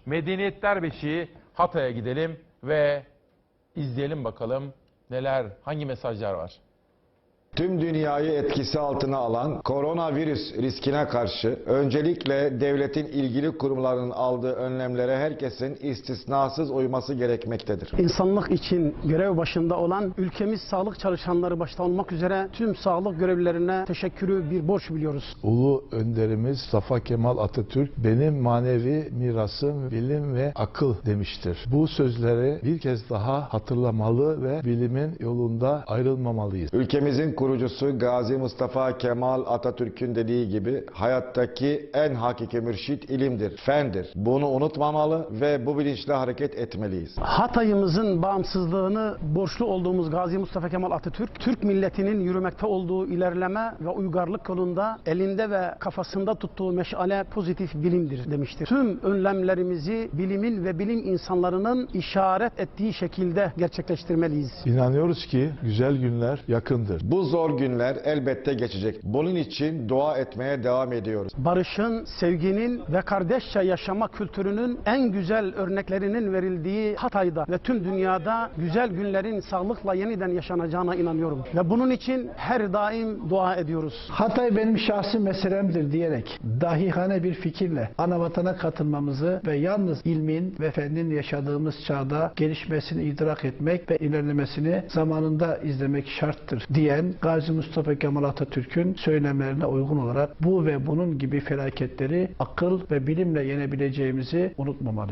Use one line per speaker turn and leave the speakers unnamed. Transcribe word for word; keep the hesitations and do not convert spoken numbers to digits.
Medeniyetler Beşiği Hatay'a gidelim ve izleyelim bakalım neler, hangi mesajlar var.
Tüm dünyayı etkisi altına alan koronavirüs riskine karşı öncelikle devletin ilgili kurumlarının aldığı önlemlere herkesin istisnasız uyması gerekmektedir.
İnsanlık için görev başında olan ülkemiz sağlık çalışanları başta olmak üzere tüm sağlık görevlilerine teşekkürü bir borç biliyoruz.
Ulu önderimiz Mustafa Kemal Atatürk benim manevi mirasım bilim ve akıl demiştir. Bu sözleri bir kez daha hatırlamalı ve bilimin yolunda ayrılmamalıyız.
Ülkemizin kurucusu Gazi Mustafa Kemal Atatürk'ün dediği gibi hayattaki en hakiki mürşit ilimdir, fendir. Bunu unutmamalı ve bu bilinçle hareket etmeliyiz.
Hatay'ımızın bağımsızlığını borçlu olduğumuz Gazi Mustafa Kemal Atatürk, Türk milletinin yürümekte olduğu ilerleme ve uygarlık yolunda elinde ve kafasında tuttuğu meşale pozitif bilimdir demiştir. Tüm önlemlerimizi bilimin ve bilim insanlarının işaret ettiği şekilde gerçekleştirmeliyiz.
İnanıyoruz ki güzel günler yakındır.
Bu zor günler elbette geçecek. Bunun için dua etmeye devam ediyoruz.
Barışın, sevginin ve kardeşçe yaşama kültürünün en güzel örneklerinin verildiği Hatay'da ve tüm dünyada güzel günlerin sağlıkla yeniden yaşanacağına inanıyorum. Ve bunun için her daim dua ediyoruz.
Hatay benim şahsi meselemdir diyerek dahihane bir fikirle anavatana katılmamızı ve yalnız ilmin ve fennin yaşadığımız çağda gelişmesini idrak etmek ve ilerlemesini zamanında izlemek şarttır diyen Gazi Mustafa Kemal Atatürk'ün söylemlerine uygun olarak bu ve bunun gibi felaketleri akıl ve bilimle yenebileceğimizi unutmamalıyız.